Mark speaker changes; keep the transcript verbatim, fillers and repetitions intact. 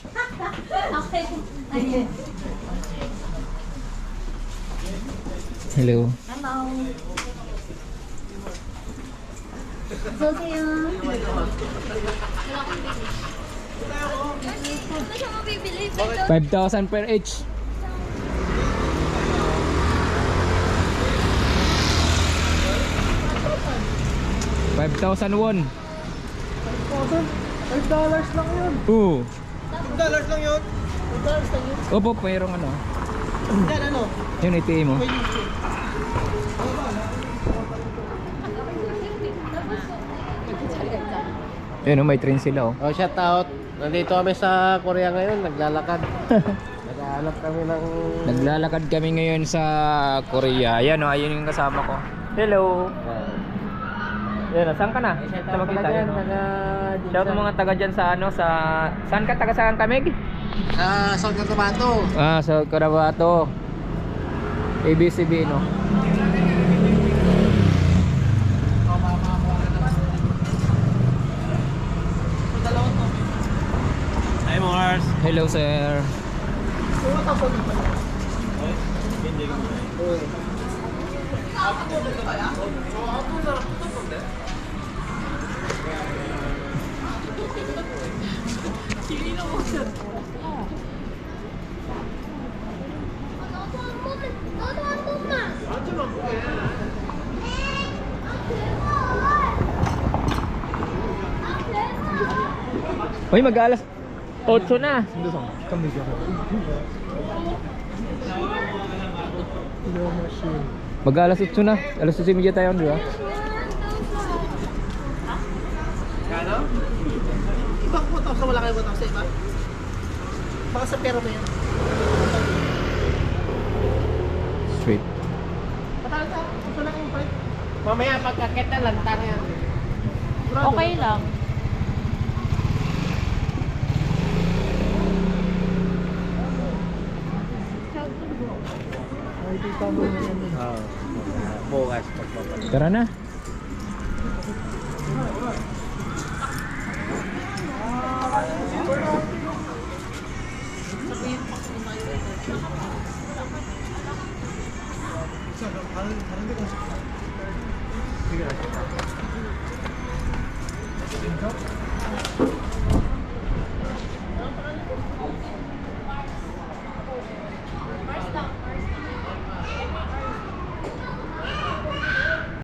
Speaker 1: Okay. Ayun.
Speaker 2: Hello.
Speaker 1: Hello. 어서오세요. Ano siya mabibili?
Speaker 2: five thousand per each. five thousand won.
Speaker 3: five dollars lang yun.
Speaker 2: Oo.
Speaker 3: five dollars lang yun. five dollars lang yun.
Speaker 2: Opo, mayroong ano.
Speaker 3: Yan ano?
Speaker 2: Yun, iti mo. Yun, oh, may train sila oh.
Speaker 3: Oh, shout out. Nandito kami sa Korea ngayon, naglalakad. Naghahanap kami ng...
Speaker 2: Naglalakad kami ngayon sa Korea. Ayan oh, ayun yung kasama ko. Hello. Yan, saan ka na?
Speaker 3: Shout
Speaker 2: Sa
Speaker 3: out
Speaker 2: makita
Speaker 3: pala dyan,
Speaker 2: yun.
Speaker 3: taga...
Speaker 2: Shout out mga taga dyan sa ano, sa... Saan ka? Taga saan kamig?
Speaker 3: Sa San Cotabato.
Speaker 2: Ah, sa Cotabato. A B C B, no?
Speaker 3: Hi, Mars.
Speaker 2: Hello, sir.
Speaker 1: 너도 한 번만.
Speaker 2: Uy, mag-alas otso na. Mag-alas otso na. Alas otso media tayo, di ba?
Speaker 3: Kano? Ibang butang sa wala kayo butang sa iba? Baka sa pera mo yan.
Speaker 2: Straight.
Speaker 3: Patalo sa, ito lang yung palit. Mamaya pagkakit na lantang yan.
Speaker 1: Okay lang.
Speaker 3: Oh, bukas pagpapalit.
Speaker 2: Tara na.